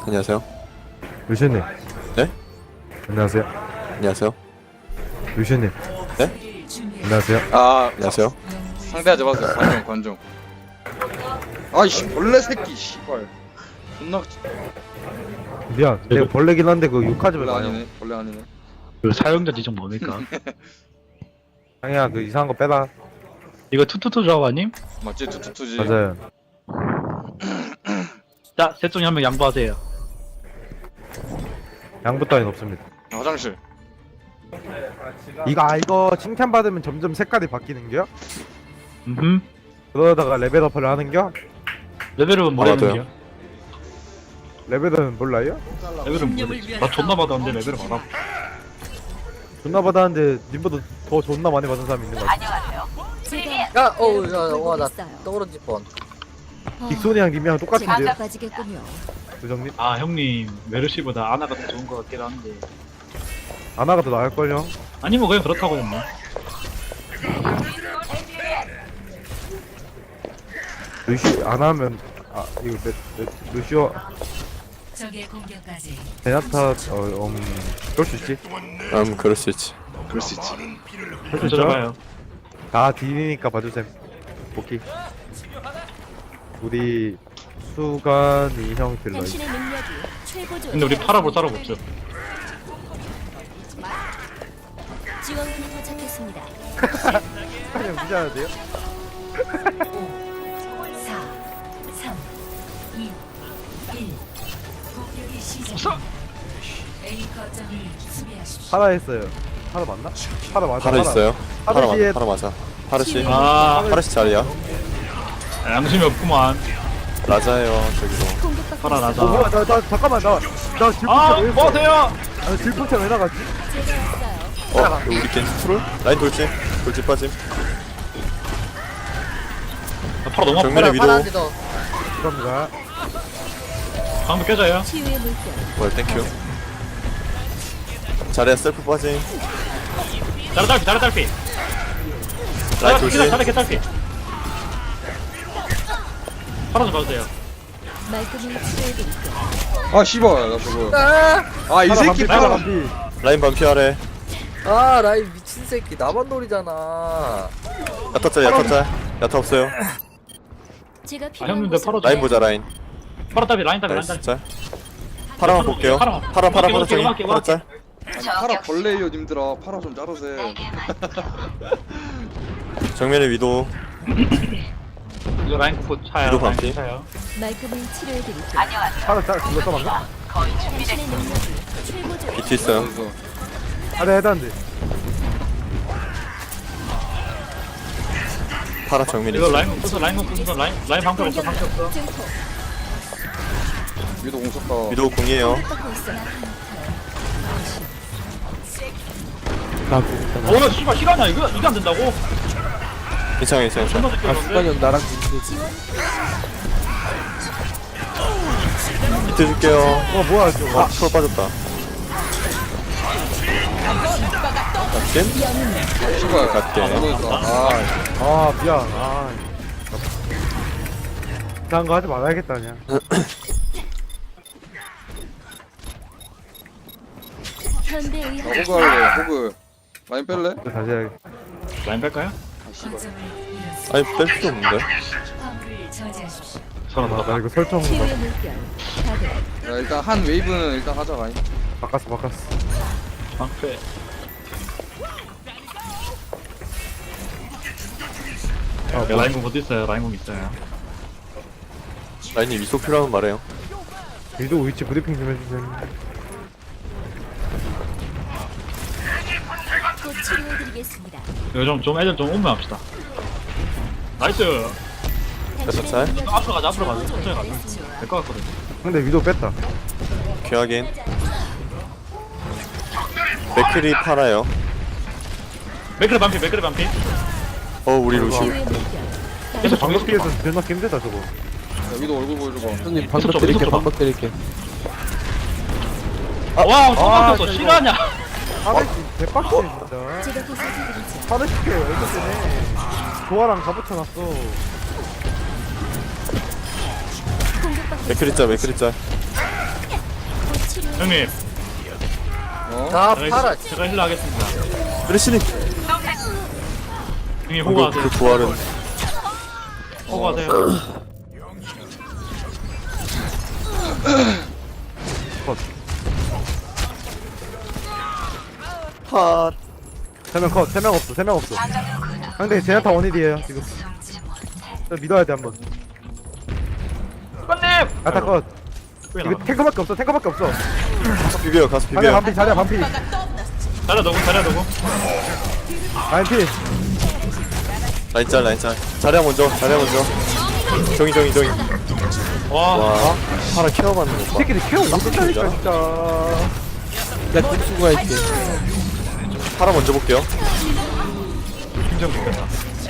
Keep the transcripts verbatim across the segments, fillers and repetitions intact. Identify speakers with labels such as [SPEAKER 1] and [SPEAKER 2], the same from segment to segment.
[SPEAKER 1] 안녕하세요.
[SPEAKER 2] 루시님.
[SPEAKER 1] 네?
[SPEAKER 2] 안녕하세요.
[SPEAKER 1] 안녕하세요.
[SPEAKER 2] 루시님.
[SPEAKER 1] 네?
[SPEAKER 2] 안녕하세요.
[SPEAKER 3] 아
[SPEAKER 1] 안녕하세요.
[SPEAKER 3] 상대하지 마세요. 관중 관중. 아이씨 벌레 새끼 씨발. 존나
[SPEAKER 2] 미안. 내가 벌레긴 한데 그 욕하지
[SPEAKER 3] 벌레
[SPEAKER 2] 말아요.
[SPEAKER 3] 아니네. 벌레 아니네.
[SPEAKER 4] 그 사용자 지정 뭡니까?
[SPEAKER 2] 상이야 그 이상한 거 빼라.
[SPEAKER 4] 이거 투투투 조합 아님?
[SPEAKER 3] 맞지 투투투지.
[SPEAKER 2] 맞아요.
[SPEAKER 4] 자, 셋 중에 한 명 양보하세요.
[SPEAKER 2] 양부 따윈 없습니다.
[SPEAKER 3] 화장실.
[SPEAKER 2] 이거 아 이거 칭찬 받으면 점점 색깔이 바뀌는겨?
[SPEAKER 4] 음.
[SPEAKER 2] 그러다가 레벨업을 하는겨?
[SPEAKER 4] 레벨은 뭐라는겨?
[SPEAKER 1] 알아둬요.
[SPEAKER 2] 레벨은 몰라요?
[SPEAKER 4] 레벨은 모르지. 나 존나 받았는데 레벨을 알아.
[SPEAKER 2] 존나 받았는데 님보다 더 존나 많이 받은 사람이 있는 거 같아.
[SPEAKER 5] 야, 어우, 야, 와, 나 떨어질 뻔.
[SPEAKER 2] 빅소니랑 님이랑 똑같은데요?
[SPEAKER 6] 빠지겠군요.
[SPEAKER 2] 부정님?
[SPEAKER 4] 아 형님 메르시보다 아나가 더 좋은 것 같긴 한데.
[SPEAKER 2] 아나가 더 나을걸요?
[SPEAKER 4] 아니 뭐 그냥 그렇다고 했나?
[SPEAKER 2] 루시 안 하면 아 이거 레, 레, 루시오
[SPEAKER 6] 적의 공격까지
[SPEAKER 2] 베나타 어 음, 그럴 수 있지?
[SPEAKER 1] 음, 그럴 수 있지.
[SPEAKER 3] 그럴 수 있지.
[SPEAKER 2] 할 수 있죠?
[SPEAKER 4] 들어가요.
[SPEAKER 2] 다 딜이니까 봐주셈. 오케이. 우리 수간이 형 딜러.
[SPEAKER 6] 당신의 능력이 최고조.
[SPEAKER 4] 근데 우리 팔아볼 사람 없죠.
[SPEAKER 6] 지원군이 도착했습니다.
[SPEAKER 2] 그냥 무시해야 돼요?
[SPEAKER 6] 사, 삼, 이, 일. 공격이 시작. A 거점을 수비하십시오.
[SPEAKER 2] 파라 했어요. 파라 맞나? 파라 맞아.
[SPEAKER 1] 파라 있어요. 파라
[SPEAKER 2] 파르시에
[SPEAKER 1] 맞아. 파라 맞아. 파르시.
[SPEAKER 4] 아
[SPEAKER 1] 파르시 자리야.
[SPEAKER 4] 양심이 없구만.
[SPEAKER 1] 라자예요. 저기도.
[SPEAKER 6] 공격받고
[SPEAKER 4] 팔아
[SPEAKER 6] 있습니다.
[SPEAKER 2] 어,
[SPEAKER 4] 나자.
[SPEAKER 2] 뭐야, 나, 나, 잠깐만, 나, 나 질풍차
[SPEAKER 4] 아
[SPEAKER 2] 왜 했어?
[SPEAKER 4] 뭐하세요?
[SPEAKER 2] 아, 질풍차 왜 나갔지?
[SPEAKER 6] 제가 왔어요.
[SPEAKER 1] 어, 이거 우리 겐지 트롤? 라인 돌진. 돌진 빠짐.
[SPEAKER 4] 나 팔아 너무 아파.
[SPEAKER 1] 정면에 위도.
[SPEAKER 5] 파란지 더.
[SPEAKER 2] 감사합니다.
[SPEAKER 4] 방금 깨져요.
[SPEAKER 6] 치유의 물결.
[SPEAKER 1] 월 땡큐. 자리야 셀프 빠짐.
[SPEAKER 4] 자라 딸피 자라 딸피.
[SPEAKER 1] 라인
[SPEAKER 4] 자라
[SPEAKER 1] 돌진.
[SPEAKER 4] 자라 개 딸피. 팔아 좀 봐주세요.
[SPEAKER 6] 말끔히 치료해드릴게요.
[SPEAKER 3] 아 씨발 나 저거.
[SPEAKER 5] 아,
[SPEAKER 3] 아 이
[SPEAKER 2] 파라
[SPEAKER 3] 새끼
[SPEAKER 2] 반피, 파라
[SPEAKER 3] 파라.
[SPEAKER 2] 반피.
[SPEAKER 1] 라인 반피하래.
[SPEAKER 5] 아, 라인 미친 새끼. 나만 노리잖아.
[SPEAKER 1] 야타 짤, 야타 짤. 야타 없어요.
[SPEAKER 6] 제가
[SPEAKER 4] 아
[SPEAKER 6] 필요한
[SPEAKER 4] 형님들
[SPEAKER 6] 곳으로
[SPEAKER 4] 팔아 좀.
[SPEAKER 1] 라인 보자, 라인.
[SPEAKER 4] 팔아 딸피 라인 딸피 라인
[SPEAKER 1] 나이스
[SPEAKER 4] 딸피.
[SPEAKER 1] 짤. 파라만 볼게요. 파라, 파라, 파라, 파라, 저기.
[SPEAKER 4] 음악해,
[SPEAKER 1] 파라
[SPEAKER 4] 음악해.
[SPEAKER 1] 짤.
[SPEAKER 3] 아니, 파라 벌레요 님들아. 파라 좀 자르세.
[SPEAKER 1] 정면에 위도.
[SPEAKER 4] 이거 라인 코 차요.
[SPEAKER 1] 위도
[SPEAKER 4] 라인
[SPEAKER 1] 반피.
[SPEAKER 4] 차요.
[SPEAKER 6] 말끔히 치료해드릴게요.
[SPEAKER 2] 파라 짤, 그거 써봤나?
[SPEAKER 6] 당신의 능력이 최고조.
[SPEAKER 1] 비트 있어요.
[SPEAKER 3] 그래서
[SPEAKER 2] 아, 네, 해단데.
[SPEAKER 1] 파라 정면에
[SPEAKER 4] 이거
[SPEAKER 1] 있어.
[SPEAKER 4] 라인 없어서 라인 없어서 라인 라인 방패 없어 방패 없어.
[SPEAKER 6] 증폭.
[SPEAKER 3] 위도 공속다.
[SPEAKER 1] 위도 공이에요.
[SPEAKER 6] 공격받고 있어요.
[SPEAKER 4] 어 씨발 실화냐 이거 이게 안 된다고?
[SPEAKER 1] 괜찮아, 괜찮아, 괜찮아.
[SPEAKER 4] 존나 새끼
[SPEAKER 5] 나랑
[SPEAKER 1] 비트 줄게요.
[SPEAKER 2] 어, 뭐야, 저거.
[SPEAKER 1] 아, 트롤 빠졌다. 갓겜?
[SPEAKER 3] 씨발.
[SPEAKER 1] 갈게.
[SPEAKER 3] 아 모르겠다. 아
[SPEAKER 2] 아, 미안. 아. 이상한 거 하지 말아야겠다, 그냥.
[SPEAKER 6] 현대
[SPEAKER 3] 나
[SPEAKER 6] 의학
[SPEAKER 3] 호그 할래. 호그. 라인 뺄래?
[SPEAKER 2] 이거 다시 해야겠다.
[SPEAKER 4] 라인 뺄까요?
[SPEAKER 3] 아 씨발.
[SPEAKER 6] 거점을 잃었습니다.
[SPEAKER 1] 아니, 뺄 필요 없는데.
[SPEAKER 6] 화물을 저지하십시오.
[SPEAKER 4] 서른
[SPEAKER 2] 아,
[SPEAKER 4] 나
[SPEAKER 2] 나 이거 설정
[SPEAKER 6] 치유의 물결. 가득.
[SPEAKER 3] 야 일단 한 웨이브는 일단 하자 라인.
[SPEAKER 2] 바꿨어, 바꿨어.
[SPEAKER 4] 방패.
[SPEAKER 2] 아,
[SPEAKER 4] 네, 라인공 어디 있어요? 라인공 있어요.
[SPEAKER 1] 라인이 위소 필요하면 말해요.
[SPEAKER 2] 위도 위치 브리핑 좀 해주세요.
[SPEAKER 6] 곧 치료해드리겠습니다.
[SPEAKER 4] 이거 좀, 좀 애들 좀 오면 합시다. 나이스!
[SPEAKER 6] 당신의
[SPEAKER 1] 짤?
[SPEAKER 6] 능력이
[SPEAKER 4] 앞으로 가자, 앞으로 가자. 천천히 가자.
[SPEAKER 6] 최고조에
[SPEAKER 4] 될 것 같거든.
[SPEAKER 2] 근데 위도 뺐다.
[SPEAKER 1] 귀하긴. 맥클이 팔아요.
[SPEAKER 4] 맥그레 반피, 맥그레 반피.
[SPEAKER 1] 어, 우리 루시.
[SPEAKER 6] 치유의 물결.
[SPEAKER 4] 계속
[SPEAKER 2] 방금
[SPEAKER 4] 정리
[SPEAKER 2] 피해서 존나 힘들다, 저거.
[SPEAKER 3] 야 위도 얼굴 보여줘봐.
[SPEAKER 5] 형님,
[SPEAKER 4] 방법 드릴게, 방법
[SPEAKER 5] 드릴게.
[SPEAKER 4] 아, 와,
[SPEAKER 2] 아,
[SPEAKER 4] 깜짝이야.
[SPEAKER 2] 진짜
[SPEAKER 4] 실화냐?
[SPEAKER 2] 파르시, 대박이네, 진짜.
[SPEAKER 6] 제가 보살펴드리죠.
[SPEAKER 2] 파르시게 왜 그러네. 조화랑 다 붙여놨어.
[SPEAKER 6] 공격받고
[SPEAKER 1] 맥클이 짤, 맥클이 짤.
[SPEAKER 4] 형님,
[SPEAKER 3] 어?
[SPEAKER 5] 다
[SPEAKER 4] 제가,
[SPEAKER 5] 팔아.
[SPEAKER 4] 힐- 제가 힐러 하겠습니다.
[SPEAKER 1] 메르시님
[SPEAKER 4] 형님
[SPEAKER 1] 이거
[SPEAKER 4] 호구하세요.
[SPEAKER 1] 그 부활은
[SPEAKER 4] 호구하세요.
[SPEAKER 1] 팟
[SPEAKER 2] 세명 컷, 세 명 없어, 세 명 없어. 상대 제나타 원일이에요 지금. 저 믿어야 돼 한번.
[SPEAKER 4] 수관님!
[SPEAKER 2] 아타 컷.
[SPEAKER 4] 왜
[SPEAKER 2] 이거
[SPEAKER 4] 나가?
[SPEAKER 2] 탱커밖에 없어, 탱커밖에 없어.
[SPEAKER 1] 가서 비벼요 가서
[SPEAKER 2] 자리야
[SPEAKER 1] 비벼요
[SPEAKER 2] 반피, 자리야 반피.
[SPEAKER 4] 자리야 너고, 자리야 너고.
[SPEAKER 2] 반피.
[SPEAKER 1] 라인 짤 라인 짤 자리야 먼저 자리야 먼저 정이 정이 정이
[SPEAKER 4] 와,
[SPEAKER 1] 와 파라 케어 받는
[SPEAKER 2] 이
[SPEAKER 1] 거봐
[SPEAKER 2] 새끼들 케어 못한다니까
[SPEAKER 1] 진짜?
[SPEAKER 2] 진짜.
[SPEAKER 7] 나 꼼수가 할게.
[SPEAKER 1] 파라 먼저 볼게요
[SPEAKER 4] 심장 죽겠다.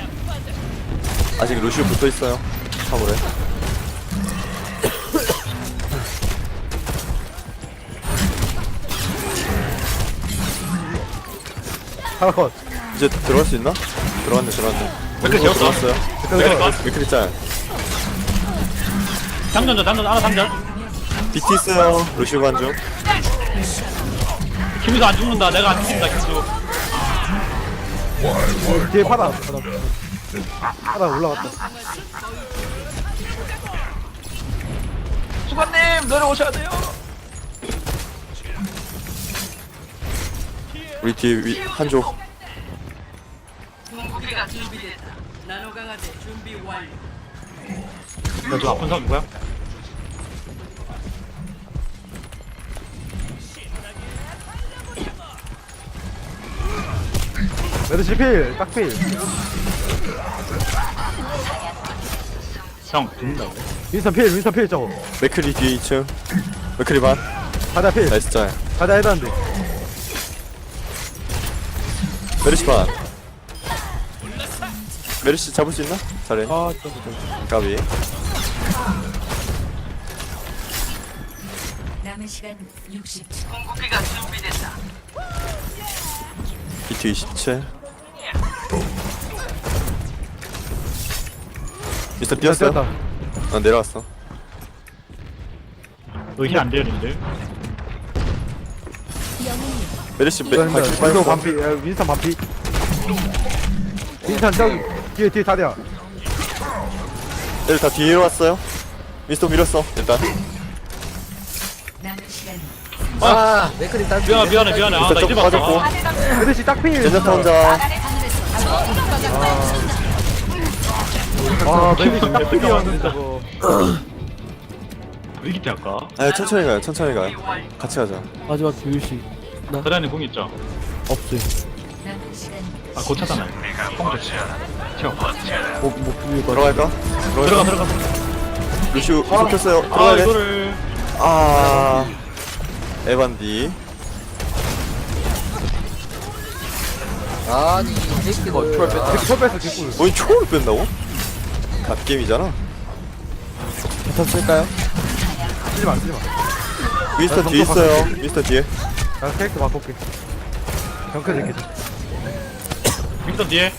[SPEAKER 1] 아직 루시오 붙어있어요 화물에
[SPEAKER 2] 하나 컷.
[SPEAKER 1] 이제 들어갈 수 있나? 들어갔네 들어갔네
[SPEAKER 4] 맥클
[SPEAKER 1] 오른쪽
[SPEAKER 4] 재웠어.
[SPEAKER 1] 들어갔어요
[SPEAKER 4] 맥클 컷.
[SPEAKER 1] 위클리 짤
[SPEAKER 4] 장전자, 장전, 하나 장전.
[SPEAKER 1] 비티 있어요 루시오 관중
[SPEAKER 4] 김이도 안 죽는다. 내가 안 죽는다, 김수.
[SPEAKER 2] 뒤에 파라. 파라. 파라 올라갔다.
[SPEAKER 4] 수관님, 내려오셔야 돼요.
[SPEAKER 1] 우리 뒤에 위, 한조
[SPEAKER 4] 저 아픈 사람 누구야?
[SPEAKER 2] 메르시 필, 딱 필.
[SPEAKER 4] 형, 죽는다고.
[SPEAKER 2] 윈선 필, 윈선 필 저거.
[SPEAKER 1] 맥클리 뒤에 이 층 맥클리 반
[SPEAKER 2] 자리야 필.
[SPEAKER 1] 나이스 짤
[SPEAKER 2] 자리야 해단데.
[SPEAKER 1] 메르시 반 메르시 잡을 수 있나? 잘해
[SPEAKER 7] 아, 좀, 좀.
[SPEAKER 1] 가비
[SPEAKER 6] 남은 시간 육십 초.
[SPEAKER 1] 비티 이십칠 미스터 뛰었어요?
[SPEAKER 2] 뛰었다.
[SPEAKER 1] 아 내려왔어
[SPEAKER 4] 너힐안 돼요, 님들.
[SPEAKER 6] 영웅님
[SPEAKER 1] 메르시 맥
[SPEAKER 2] 윈선
[SPEAKER 1] 발키리
[SPEAKER 2] 윈선
[SPEAKER 1] 빨리
[SPEAKER 2] 반피, 야, 윈선 반피. 윈선 저기 뒤에 뒤에 자리야.
[SPEAKER 1] 애들 다 뒤로 왔어요 미스터 밀었어 일단
[SPEAKER 6] 남은 시간
[SPEAKER 5] 아, 맥클이 딸.
[SPEAKER 4] 미안, 미안해, 미안해. 아, 나
[SPEAKER 1] 일단
[SPEAKER 4] 이제
[SPEAKER 1] 좀
[SPEAKER 4] 봤어.
[SPEAKER 1] 빠졌고
[SPEAKER 4] 아,
[SPEAKER 2] 메르시 딱 필.
[SPEAKER 1] 젠자타 혼자
[SPEAKER 2] 아, 메르시 딱 필이었는데 저거.
[SPEAKER 4] 위기태 할까?
[SPEAKER 1] 아 천천히 가요 천천히 가요 같이 가자
[SPEAKER 7] 마지막 교육식. 나
[SPEAKER 4] 자리안에 공 있죠?
[SPEAKER 7] 없어요.
[SPEAKER 6] 남은 시간
[SPEAKER 4] 아, 고차잖아요. 공 좋지. 튀어.
[SPEAKER 7] 뭐, 뭐, 비밀 거.
[SPEAKER 1] 들어갈까?
[SPEAKER 4] 들어가, 들어가.
[SPEAKER 1] 루시우 섞였어요
[SPEAKER 4] 아,
[SPEAKER 1] 들어가야 돼
[SPEAKER 4] 이거를.
[SPEAKER 1] 아 에반디
[SPEAKER 5] 아니, 이 새끼들. 아,
[SPEAKER 2] 저 뺐어 뒷골.
[SPEAKER 1] 뭐이 초를 뺀다고? 갓게임이잖아
[SPEAKER 7] 자탄 쓸까요?
[SPEAKER 2] 쓰지 마, 쓰지 마.
[SPEAKER 1] 미스터
[SPEAKER 2] 아,
[SPEAKER 1] 뒤에
[SPEAKER 2] 점점
[SPEAKER 1] 있어요 미스터 뒤에
[SPEAKER 2] 나 캐릭터 바꿀게. 경크 새끼들.
[SPEAKER 4] 빅터 뒤에.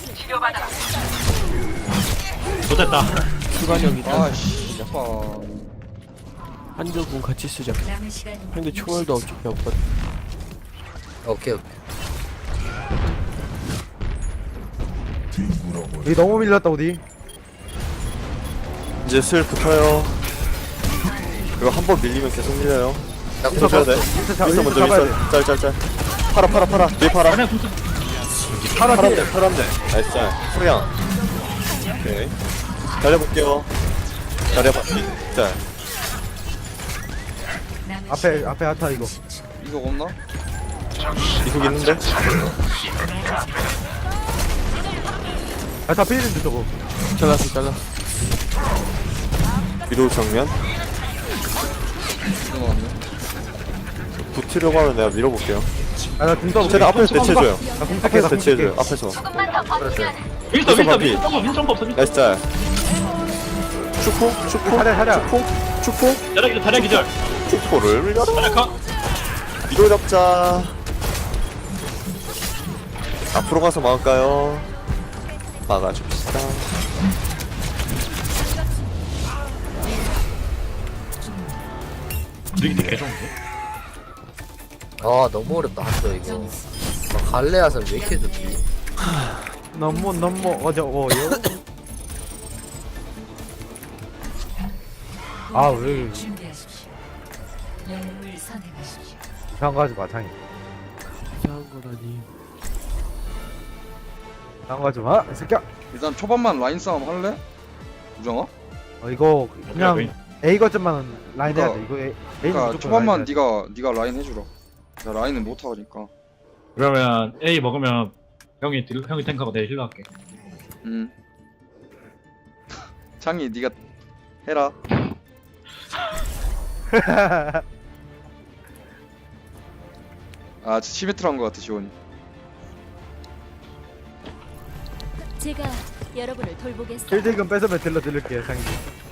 [SPEAKER 4] 좋됐다.
[SPEAKER 7] 수관형이다.
[SPEAKER 3] 아씨 아파.
[SPEAKER 7] 한조군 같이 쓰자.
[SPEAKER 6] 남은 시간
[SPEAKER 7] 근데 초월도 어차피 없거든.
[SPEAKER 5] 오케이, 오케이.
[SPEAKER 2] 우리 너무 밀렸다 어디?
[SPEAKER 1] 이제 슬 붙어요 이거 한 번 밀리면 계속 밀려요
[SPEAKER 5] 나
[SPEAKER 1] 미스터 줘야 돼
[SPEAKER 2] 윈선 잡-
[SPEAKER 1] 미스터
[SPEAKER 2] 윈선
[SPEAKER 1] 먼저
[SPEAKER 2] 잡아야
[SPEAKER 1] 미스터 짤짤짤 팔아 팔아 팔아 뒤에 팔아
[SPEAKER 4] 그냥 붙어.
[SPEAKER 2] 파라 필.
[SPEAKER 1] 파란데 파란데 나이스 짤 소량 오케이 달려볼게요 달려봤지 짤
[SPEAKER 6] 남은
[SPEAKER 2] 앞에 앞에 아타 이거.
[SPEAKER 3] 이거 없나?
[SPEAKER 1] 이속 있는데?
[SPEAKER 2] 아타 필인데 저거.
[SPEAKER 7] 잘랐어, 잘랐어.
[SPEAKER 1] 위도 정면
[SPEAKER 3] 이거 나왔네.
[SPEAKER 1] 붙으려고 하면 내가 밀어볼게요
[SPEAKER 2] 아나 등떠.
[SPEAKER 1] 쟤는 앞에서 대체해줘요
[SPEAKER 2] 나 공격해,
[SPEAKER 1] 앞에서
[SPEAKER 2] 나
[SPEAKER 1] 대체해줘요
[SPEAKER 2] 공격해.
[SPEAKER 1] 앞에서
[SPEAKER 4] 윈스터, 윈스터,
[SPEAKER 1] 반피.
[SPEAKER 4] 윈스터, 윈스터 없어. 윈스터.
[SPEAKER 1] 나이스 짤 축포? 축포?
[SPEAKER 2] 자리야, 자리야.
[SPEAKER 1] 축포? 축포?
[SPEAKER 4] 자리야 기절, 자리야 기절.
[SPEAKER 1] 축포를 밀려라
[SPEAKER 4] 자리야 컷.
[SPEAKER 1] 위도 잡자 앞으로 가서 막을까요? 막아줍시다
[SPEAKER 4] 위기태 개 좋은데?
[SPEAKER 5] 아 너무 어렵다 한조 이거. 막 갈레아서 왜 이렇게 좋지?
[SPEAKER 2] 너무 너무 어려워요. 아왜
[SPEAKER 6] 준비하십시오. 영웅을 선택하십시오.
[SPEAKER 2] 이상한 거 하지 마 창이.
[SPEAKER 7] 이상한 거라니.
[SPEAKER 2] 이상한 거 하지 마. 이 새끼야.
[SPEAKER 3] 일단 초반만 라인 싸움 할래? 우정아?
[SPEAKER 2] 어, 이거 그냥
[SPEAKER 4] 그래,
[SPEAKER 2] A 거점만 라인 해야 돼.
[SPEAKER 3] 그러니까-
[SPEAKER 2] 이거 A, A는
[SPEAKER 3] 그러니까
[SPEAKER 2] 무조건
[SPEAKER 3] 초반만
[SPEAKER 2] 라인 해야 돼.
[SPEAKER 3] 네가 네가 라인 해주라. 나 라인은 못 하니까.
[SPEAKER 4] 그러면 A 먹으면 형이 딜, 형이 탱크하고 내 힐러 할게.
[SPEAKER 3] 음. 창이 네가 해라. 아, 저 시메트로 한거 같아 지원이.
[SPEAKER 8] 제가 여러분을 돌보겠습니다.
[SPEAKER 2] 킬딜금 뺏으면 딜러 드릴게요 창이.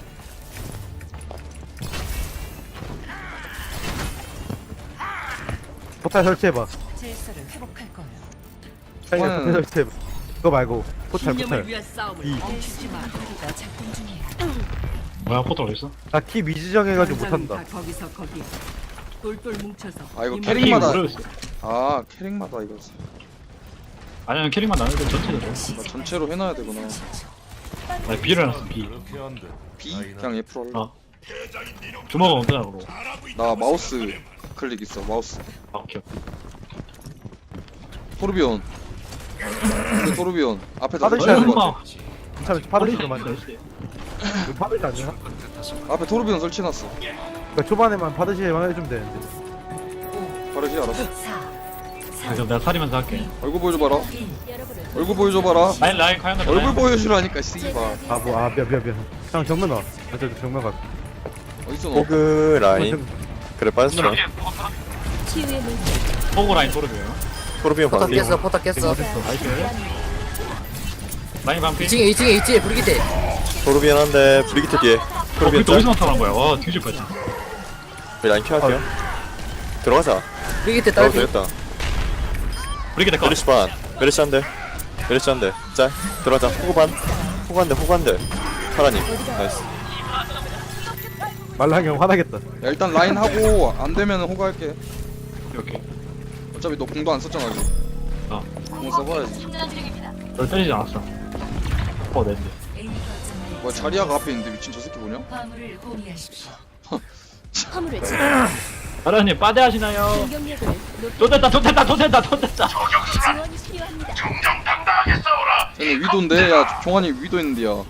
[SPEAKER 2] 포탈 설치해봐.
[SPEAKER 6] 질서를 회복할 거예요.
[SPEAKER 2] 창이
[SPEAKER 3] 이거는-
[SPEAKER 2] 포탈 설치해봐. 그거 말고 포탈 포탈.
[SPEAKER 6] 싸움을 멈추지 마. 거기가 작동 중이에요.
[SPEAKER 4] 뭐야 포터 어딨어?
[SPEAKER 2] 나키 미지정해가지고 못한다.
[SPEAKER 6] 거기서 거기. 똘똘 뭉쳐서.
[SPEAKER 3] 아 이거
[SPEAKER 6] 이
[SPEAKER 4] 캐릭
[SPEAKER 3] 캐릭마다
[SPEAKER 4] 모르겠어.
[SPEAKER 3] 아 캐릭마다 이거
[SPEAKER 4] 아니면 캐릭만 나는데 전체적으로.
[SPEAKER 3] 나 전체로 해놔야 되구나.
[SPEAKER 4] 나 B를 해놨어 B.
[SPEAKER 3] B 그냥 F로 할래.
[SPEAKER 4] 어. 주먹은 어떠냐 그러고.
[SPEAKER 3] 나 마우스 클릭 있어 마우스.
[SPEAKER 4] 아 오케이.
[SPEAKER 3] 토르비온. 근데 토르비온 앞에다
[SPEAKER 2] 다들
[SPEAKER 3] 설치하는 거
[SPEAKER 4] 엄마.
[SPEAKER 3] 같아.
[SPEAKER 2] 참 파르시도 만져. 이거 파르시 아니야?
[SPEAKER 3] 앞에 토르비온 설치해놨어.
[SPEAKER 2] 그러니까 초반에만 파르시만 해주면 되는데.
[SPEAKER 3] 바르지 알았어.
[SPEAKER 6] 사,
[SPEAKER 4] 그럼 내가 살이면서 할게.
[SPEAKER 3] 얼굴 보여줘봐라.
[SPEAKER 8] 여러분을
[SPEAKER 3] 얼굴 보여줘봐라.
[SPEAKER 4] 라인 라인 과연
[SPEAKER 3] 얼굴 보여주라니까 씨발.
[SPEAKER 2] 아 뭐 아 미안 미안 미안. 형 정면 와. 나 저기 정면 가.
[SPEAKER 3] 어딨어 너?
[SPEAKER 1] 호그 라인. 그래 빠졌어.
[SPEAKER 8] 치유의 물질.
[SPEAKER 4] 포고 라인 토르비요.
[SPEAKER 1] 토르비온
[SPEAKER 5] 포탑
[SPEAKER 1] 반피.
[SPEAKER 5] 깼어 포탑 깼어.
[SPEAKER 4] 라인 반피.
[SPEAKER 5] 이 층에 이 층에 이 층에 브리기테.
[SPEAKER 1] 토르비온 한데 브리기트 뒤에.
[SPEAKER 4] 어,
[SPEAKER 1] 토르비온
[SPEAKER 4] 그때 어디서
[SPEAKER 1] 짤.
[SPEAKER 4] 나타난 거야? 와 뒤질 뻔했지.
[SPEAKER 1] 우리 라인 켜할게요. 들어가자.
[SPEAKER 5] 브리기테
[SPEAKER 1] 들어가도
[SPEAKER 5] 딸피.
[SPEAKER 1] 되겠다.
[SPEAKER 4] 브리게 될거
[SPEAKER 1] 메르시 반. 메르시 한대. 메르시 한대. 짤. 들어가자. 호구 반. 호구 한대. 호구 한대. 파라님. 나이스.
[SPEAKER 2] 말랑이 형 화나겠다.
[SPEAKER 3] 야 일단 라인 하고 안 되면 호가할게.
[SPEAKER 4] 오케이.
[SPEAKER 3] 어차피 너 공도 안 썼잖아 지금.
[SPEAKER 4] 어.
[SPEAKER 3] 공 써봐야지.
[SPEAKER 4] 널 때리지 않았어. 어 낸데.
[SPEAKER 6] A 거점을
[SPEAKER 3] 뭐 자리아가 앞에 있는데 미친 저 새끼 뭐냐?
[SPEAKER 6] 화물을 공유하십시오.
[SPEAKER 8] 화물을 지금
[SPEAKER 4] 아라님 빠대 하시나요?
[SPEAKER 8] 공격력을 높이
[SPEAKER 4] 돈 됐다 돈 됐다 돈 됐다 돈 됐다.
[SPEAKER 8] 지원이 필요합니다.
[SPEAKER 3] 쟤는 위도인데 야 종환이 위도 있는데야.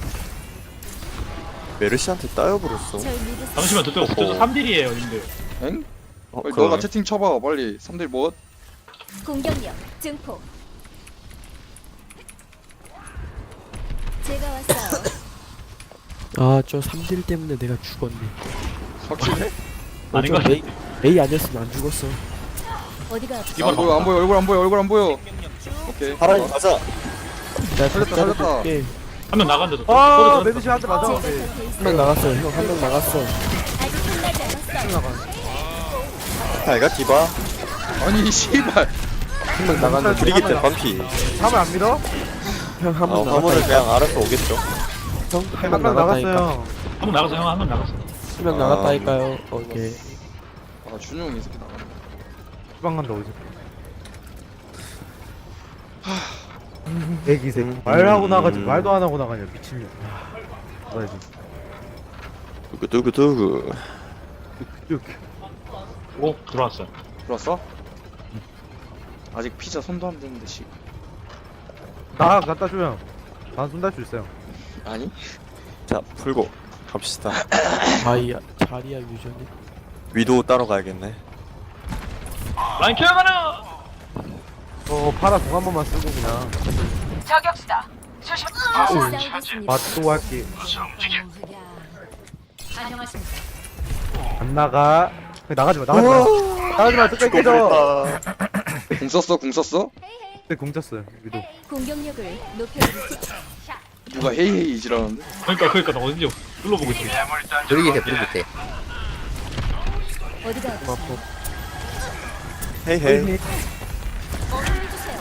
[SPEAKER 1] 메르시한테 따여버렸어.
[SPEAKER 8] 절 믿으세요.
[SPEAKER 4] 잠시만 저쪽 저쪽 삼 딜이에요 님들.
[SPEAKER 3] 엥?
[SPEAKER 1] 어,
[SPEAKER 3] 빨리
[SPEAKER 1] 그러네.
[SPEAKER 3] 너가 채팅 쳐봐 빨리. 삼 대 뭐?
[SPEAKER 8] 공격력 증폭. 제가 왔어요.
[SPEAKER 7] 아저 삼 딜 때문에 내가 죽었네.
[SPEAKER 3] 확실해?
[SPEAKER 4] 아닌
[SPEAKER 7] 저
[SPEAKER 4] 거
[SPEAKER 7] A, A 아니었으면 안 죽었어.
[SPEAKER 8] 어디가
[SPEAKER 3] 야, 안 보여 안 보여 얼굴 안 보여 얼굴 안 보여. 오케이.
[SPEAKER 1] 파라님 가자.
[SPEAKER 7] 내가
[SPEAKER 3] 살렸다, 살렸다.
[SPEAKER 7] 한
[SPEAKER 4] 한 명 나간데 저.
[SPEAKER 2] 아 메드시 한대 맞아.
[SPEAKER 8] 제가
[SPEAKER 2] 네.
[SPEAKER 8] 곁에 있어요.
[SPEAKER 7] 명 나갔어요. 형 한 명 나갔어.
[SPEAKER 8] 아직 끝나지 않았어요.
[SPEAKER 1] 잘가 디바.
[SPEAKER 3] 아니 씨발.
[SPEAKER 7] 한 명 나갔는데
[SPEAKER 1] 브리기트 반피.
[SPEAKER 2] 하면 안 믿어?
[SPEAKER 7] 형 한
[SPEAKER 1] 아
[SPEAKER 7] 명
[SPEAKER 1] 화물을
[SPEAKER 7] 나갔다니까.
[SPEAKER 1] 그냥 알아서 오겠죠.
[SPEAKER 7] 형 한
[SPEAKER 2] 한
[SPEAKER 7] 명
[SPEAKER 2] 명
[SPEAKER 7] 나갔다니까.
[SPEAKER 2] 나갔어요.
[SPEAKER 4] 한 명 나갔어 형 한 명 나갔어.
[SPEAKER 7] 한 명 나갔다니까요. 오케이.
[SPEAKER 3] 아 준용이 이 새끼 나가네.
[SPEAKER 2] 주방 간다 어디서? 애기 새끼. 말하고 나가지 말도 안 하고 나가냐 미친년. 나야지.
[SPEAKER 1] 두구 두구 두구.
[SPEAKER 2] 쭉.
[SPEAKER 4] 오 들어왔어.
[SPEAKER 3] 들어왔어? 아직 피자 손도 안 대는데 씨.
[SPEAKER 2] 나 갖다 줘요. 난 손 달 수 있어요.
[SPEAKER 3] 아니?
[SPEAKER 1] 자 풀고 갑시다.
[SPEAKER 7] 자리야 자리야 유전이.
[SPEAKER 1] 위도 따러 가야겠네.
[SPEAKER 4] 라인 켜가는.
[SPEAKER 2] 어 파라 공 한 번만 쓰고 그냥
[SPEAKER 8] 다시 싸우겠습니다.
[SPEAKER 2] 맞도 할게.
[SPEAKER 6] 안녕하십니까.
[SPEAKER 2] 안 나가. 그냥 나가지 마. 나가지 마. 나가지 마. 끝까지 깨져.
[SPEAKER 3] 궁 썼어? 궁 썼어?
[SPEAKER 2] 그때 공 쳤어요. 위도.
[SPEAKER 8] 공격력을 높여드리죠.
[SPEAKER 3] 누가 헤이헤이 이지라는데?
[SPEAKER 4] 그러니까 그러니까 나 어딘지 눌러보고 있어.
[SPEAKER 5] 브리기테 브리기테.
[SPEAKER 8] 어디가 아프세요?
[SPEAKER 1] 헤이 헤이.
[SPEAKER 8] 어머니 주세요.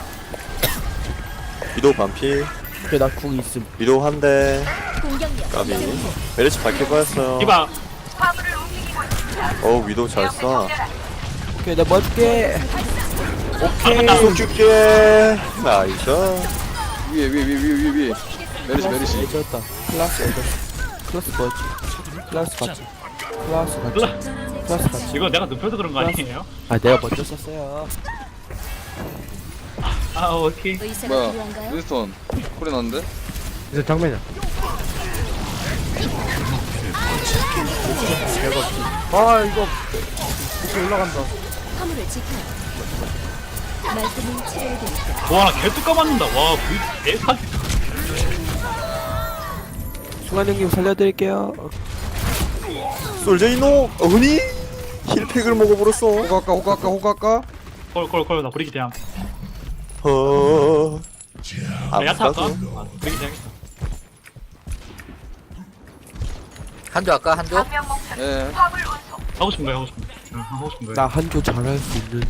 [SPEAKER 1] 위도 반피.
[SPEAKER 7] 그래 나궁 있음.
[SPEAKER 1] 위도 한대.
[SPEAKER 8] 공격력
[SPEAKER 1] 까비.
[SPEAKER 8] 증폭.
[SPEAKER 1] 메르시 밝힐 거였어요.
[SPEAKER 4] 디바
[SPEAKER 1] 어 위도 잘 쏴.
[SPEAKER 7] 오케이 나 맞게.
[SPEAKER 1] 계속 줄게. 나이스.
[SPEAKER 3] 위에 위에 위에 위에 위에 위에. 메르시 메르시.
[SPEAKER 7] 해줬다. 클라스 해줬어. 클라스 뭐였지? 클라스 같지. 클라스 같지. 클라스 같지.
[SPEAKER 4] 이거 내가 눕혀서 그런 거 아니에요?
[SPEAKER 7] 아 내가 먼저 썼어요.
[SPEAKER 4] 아 오케이.
[SPEAKER 8] 의사가
[SPEAKER 3] 뭐야?
[SPEAKER 8] 필요한가요?
[SPEAKER 3] 윈스턴 소리 나는데?
[SPEAKER 2] 이제 장면이야. 아 이거 이렇게 올라간다.
[SPEAKER 8] 화물을 지켜요. 말끔히 치료해드릴게요.
[SPEAKER 4] 와나 개뚜까 맞는다. 와 그 대사기.
[SPEAKER 7] 승환 형님 살려드릴게요.
[SPEAKER 1] 솔제이노 어머니 힐팩을 먹어버렸어.
[SPEAKER 3] 호가까 호가까 호가까.
[SPEAKER 4] 콜콜콜 나 브리기 대항.
[SPEAKER 1] 어.
[SPEAKER 4] 아 야타 할까?
[SPEAKER 1] 아프다고.
[SPEAKER 4] 아, 브리기 대항.
[SPEAKER 5] 한조 할까 한조?
[SPEAKER 3] 예.
[SPEAKER 4] 하고 싶은 거야 하고 싶은 거. 응, 하고 싶은 거야.
[SPEAKER 7] 나 한조 잘할 수 있는.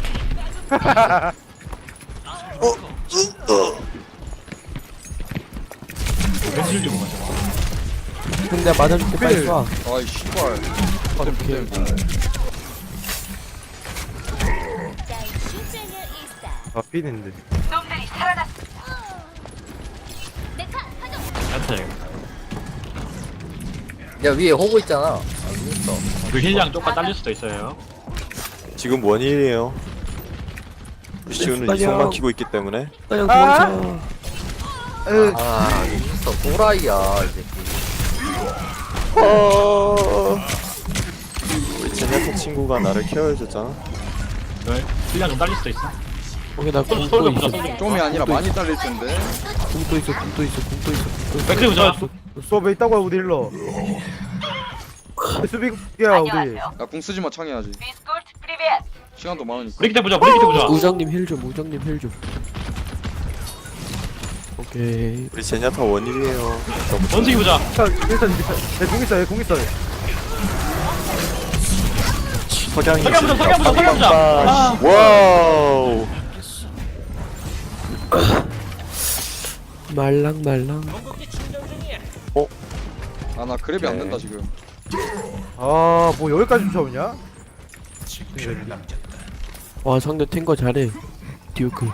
[SPEAKER 4] 벤질 좀 맞아.
[SPEAKER 7] 형 내가 맞아줄게 빨리 쏴.
[SPEAKER 3] 아이 씨발.
[SPEAKER 7] 오케이.
[SPEAKER 2] 아 삐는데.
[SPEAKER 4] 야타 이거.
[SPEAKER 5] 야 위에 호구 있잖아. 아, 윈스턴.
[SPEAKER 4] 그 힐량 쪽과 딸릴 수도 있어요.
[SPEAKER 1] 지금 원일이에요. 루시우는
[SPEAKER 7] 빨리요.
[SPEAKER 1] 이성만 키고 있기 때문에.
[SPEAKER 7] 형 도망쳐.
[SPEAKER 5] 아 윈스턴 또라이야 이 새끼.
[SPEAKER 1] 어. 우리 제네토 친구가 나를 케어해줬잖아.
[SPEAKER 4] 왜? 힐량 좀 딸릴 수도 있어.
[SPEAKER 7] 오케이 나
[SPEAKER 4] 솔-
[SPEAKER 7] 궁도
[SPEAKER 4] 솔져
[SPEAKER 7] 있어.
[SPEAKER 4] 보자, 솔져.
[SPEAKER 3] 좀이 아니라 많이 딸릴 텐데.
[SPEAKER 7] 궁도 있어. 궁도 있어. 궁도 있어. 궁도 있어.
[SPEAKER 4] 백크리 보자.
[SPEAKER 2] 수업에 있다고 우리 힐러. 수비야 우리.
[SPEAKER 3] 야궁 쓰지 마 창해야지. 시간도 많으니까.
[SPEAKER 4] 브리기 대 보자. 브리기 대 보자.
[SPEAKER 7] 우정님 힐 좀. 우정님 힐 좀. 오케이.
[SPEAKER 1] 우리 제냐타 원일이에요.
[SPEAKER 4] 원숭이 보자.
[SPEAKER 2] 자 일단 얘공 있어 얘공 있어.
[SPEAKER 1] 석양이.
[SPEAKER 4] 석양 보자. 석양 보자. 석양 보자. 아.
[SPEAKER 1] 와우.
[SPEAKER 7] 말랑말랑.
[SPEAKER 3] 아 나 그랩이 안
[SPEAKER 1] 네.
[SPEAKER 3] 된다 지금.
[SPEAKER 2] 아뭐 여기까지 쫓아오냐?
[SPEAKER 7] 와 상대 탱커 잘해. 듀크.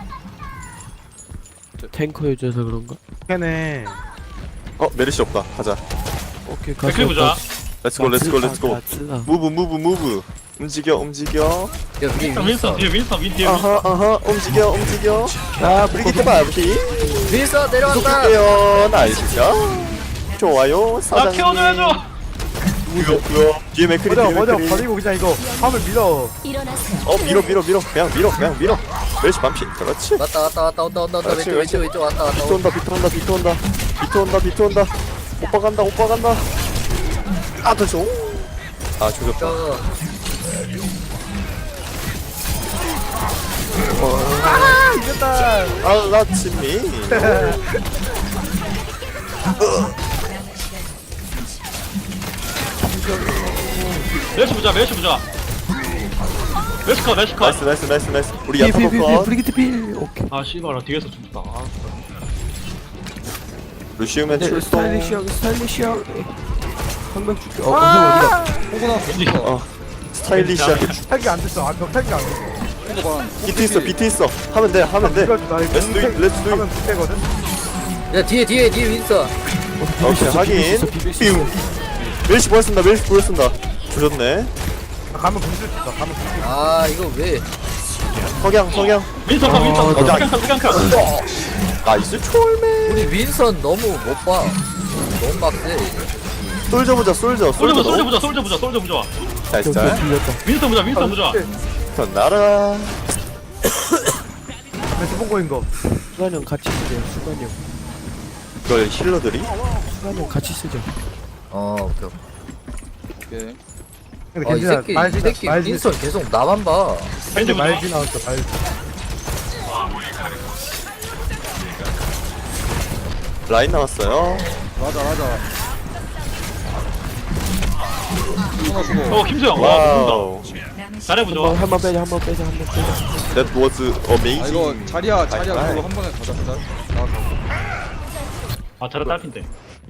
[SPEAKER 7] 탱커 여자서 그런가?
[SPEAKER 2] 걔네.
[SPEAKER 1] 어 메르시 없다. 가자.
[SPEAKER 7] 오케이
[SPEAKER 4] 백크리 보자.
[SPEAKER 1] 렛츠고 렛츠고 렛츠고.
[SPEAKER 7] 가츠라.
[SPEAKER 1] 무브 무브 무브. 움직여 움직여.
[SPEAKER 5] 야 위에
[SPEAKER 4] 윈스턴 윈스턴
[SPEAKER 5] 윈스턴.
[SPEAKER 4] 뒤에 윈스턴 윈 뒤에.
[SPEAKER 1] 아하 아하 움직여 움직여. 아 브리기트 바비.
[SPEAKER 5] 윈스턴 내려간다.
[SPEAKER 1] 속도게요. 나이스죠. 좋아요
[SPEAKER 4] 나
[SPEAKER 1] 사장님.
[SPEAKER 4] 키워줘야죠.
[SPEAKER 1] 무섭고요. 뒤에 맥크리
[SPEAKER 2] 맞아
[SPEAKER 1] 뒤에
[SPEAKER 2] 맞아
[SPEAKER 1] 맥크리.
[SPEAKER 2] 버리고 그냥 이거 화물 밀어.
[SPEAKER 8] 일어나세요.
[SPEAKER 1] 어 밀어 밀어 밀어 그냥 밀어 그냥 밀어. 메르시 반피. 그렇지.
[SPEAKER 5] 왔다 왔다 왔다 온다 온다 온다
[SPEAKER 1] 그렇지,
[SPEAKER 5] 왼쪽 왼쪽
[SPEAKER 1] 그렇지.
[SPEAKER 5] 왼쪽 왔다 왔다
[SPEAKER 1] 비트 온다 비트 온다 비트 온다 비트 온다 비트 온다. 오빠 간다 오빠 간다. 아 됐어. 아 조졌다.
[SPEAKER 5] 저
[SPEAKER 1] 알라치미.
[SPEAKER 4] 멜시 보자. 멜시 보자. 멜시 컷. 멜시 컷.
[SPEAKER 1] 나이스 나이스 나이스 나이스. 우리
[SPEAKER 7] 필,
[SPEAKER 1] 야타
[SPEAKER 7] 필, 필, 필,
[SPEAKER 1] 컷.
[SPEAKER 7] 브리기트 필. 오케이.
[SPEAKER 4] 아 씨발 나 뒤에서 죽었다. 아,
[SPEAKER 1] 루시우맨
[SPEAKER 7] 네,
[SPEAKER 1] 출동.
[SPEAKER 7] 스타일리시 형, 스타일리시 형. 한명 줄게. 어, 형 어디가?
[SPEAKER 3] 호구 나왔어.
[SPEAKER 4] 왠지
[SPEAKER 1] 어 스타일리시하게
[SPEAKER 2] 탈기 안 됐어. 아 벽탈기 안 됐어.
[SPEAKER 3] 호구 반.
[SPEAKER 1] 비트 있어 비트 있어. 하면 돼 하면 돼.
[SPEAKER 2] 이거 나 이거
[SPEAKER 1] Let's do it, let's do it.
[SPEAKER 2] 하면 붙대거든.
[SPEAKER 5] 야 뒤에 뒤에 뒤에 윈스턴.
[SPEAKER 1] 오케이 확인. 삐우. 멜시 보였습니다 멜시 보였습니다. 조졌네.
[SPEAKER 2] 아, 가면 분수 있다. 가면 분수.
[SPEAKER 5] 아 이거 왜?
[SPEAKER 1] 석양 석양.
[SPEAKER 4] 윈스턴 컷. 윈스턴 컷.
[SPEAKER 1] 나-
[SPEAKER 4] 석양 컷. 석양 컷.
[SPEAKER 1] 나이스 초월맨.
[SPEAKER 5] 우리 윈스턴 너무 못 봐. 너무 빡세.
[SPEAKER 1] 솔져 보자 솔져
[SPEAKER 4] 솔져
[SPEAKER 1] 솔져.
[SPEAKER 4] 보자. 솔져 보자. 솔져 보자. 솔져 보자.
[SPEAKER 1] 나이스
[SPEAKER 7] 저, 저
[SPEAKER 1] 잘.
[SPEAKER 7] 빌렸다.
[SPEAKER 4] 윈스턴 보자. 윈스턴 보자.
[SPEAKER 1] 전 나라.
[SPEAKER 2] 왼쪽 본거인 거.
[SPEAKER 7] 수관 형 같이 쓰세요. 수관 형.
[SPEAKER 1] 이걸 힐러들이?
[SPEAKER 7] 수관 형 같이 쓰죠.
[SPEAKER 5] 어 오케이.
[SPEAKER 3] 오케이.
[SPEAKER 2] 근데
[SPEAKER 5] 아이
[SPEAKER 2] 괜찮아.
[SPEAKER 5] 새끼 이
[SPEAKER 2] 말지
[SPEAKER 5] 새끼
[SPEAKER 2] 말지
[SPEAKER 5] 윈스턴 계속 나만 봐.
[SPEAKER 4] 벤지 보자.
[SPEAKER 2] 말지 나왔어. 말지.
[SPEAKER 1] 라인 나왔어요.
[SPEAKER 3] 맞아 맞아. 하나 주고.
[SPEAKER 4] 어 김수영. 와 죽는다.
[SPEAKER 1] 와우.
[SPEAKER 4] 잘해보자.
[SPEAKER 7] 한번 한번 빼자. 한번 빼자. 한번 빼자.
[SPEAKER 1] That was amazing.
[SPEAKER 3] 아 이거 자리야 자리야
[SPEAKER 1] 아이,
[SPEAKER 3] 그걸로 한 번에 가자 가자. 나가고.
[SPEAKER 4] 아 잘해 딸핀데.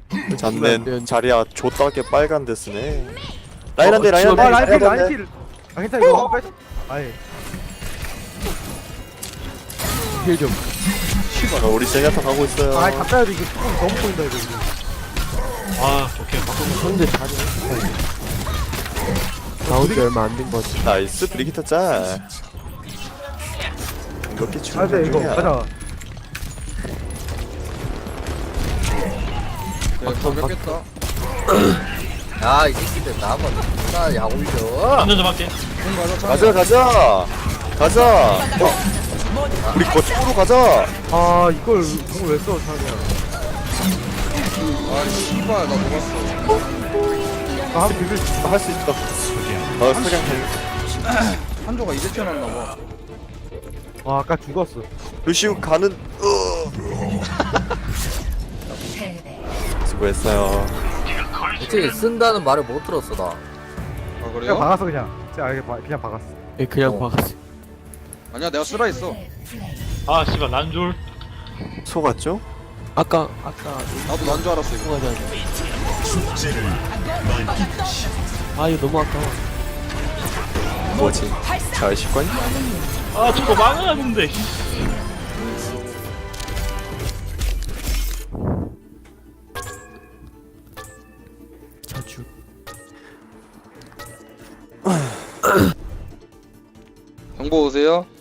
[SPEAKER 1] 잡는 자리야 좆다게 빨간 데스네. 라인 한대 라인
[SPEAKER 7] 어,
[SPEAKER 1] 한대
[SPEAKER 2] 아 라인 필 라인
[SPEAKER 1] 한대.
[SPEAKER 2] 필. 아 아 괜찮아 이거 한번 빼자. 아예.
[SPEAKER 7] 힐좀
[SPEAKER 1] 어, 우리 제냐타 가고 있어요.
[SPEAKER 2] 아 가까이 해도 이거 조금 너무 보인다 이거. 이거.
[SPEAKER 4] 아 오케이 바꾸고
[SPEAKER 7] 상대 잘해 나온 지 얼마 안 된 거지
[SPEAKER 1] 나이스 브리기터 짤. 이렇게
[SPEAKER 2] 아
[SPEAKER 1] 충분
[SPEAKER 2] 네 이거
[SPEAKER 1] 중이야.
[SPEAKER 2] 가자.
[SPEAKER 3] 야 가볍겠다.
[SPEAKER 5] 야, 이 새끼들 나만 나 약올려.
[SPEAKER 4] 안전 좀 할게.
[SPEAKER 3] 공 가자.
[SPEAKER 1] 가자 가자 가자. 어. 우리 거쪽으로 가자.
[SPEAKER 2] 아 이걸 공을 왜 써? 자기야.
[SPEAKER 3] 아 씨발 나 녹았어.
[SPEAKER 2] 나한 비빌.
[SPEAKER 1] 할 수 있다. 어 소량 달.
[SPEAKER 3] 한조가 이제 튀어났나봐.
[SPEAKER 2] 아 아까 죽었어.
[SPEAKER 1] 루시우 가는. 으.
[SPEAKER 6] 패배.
[SPEAKER 1] 수고했어요.
[SPEAKER 5] 어떻게 쓴다는 말을 못 들었어 나.
[SPEAKER 3] 아
[SPEAKER 2] 그냥
[SPEAKER 3] 그래요?
[SPEAKER 2] 박았어 그냥. 진짜 아예 바- 그냥 박았어.
[SPEAKER 7] 예 그냥
[SPEAKER 5] 어.
[SPEAKER 7] 박았어
[SPEAKER 3] 아니야 내가 쓰라 했어.
[SPEAKER 4] 아 씨발 난줄.
[SPEAKER 1] 속았죠?
[SPEAKER 7] 아까 아까
[SPEAKER 3] 나도 난 줄 알았어 이거.
[SPEAKER 7] 통하자 아 이거 너무 아까워
[SPEAKER 1] 뭐지? 잘 식관?
[SPEAKER 4] 아 저거 망하는데.
[SPEAKER 7] 자주
[SPEAKER 3] 정보 오세요.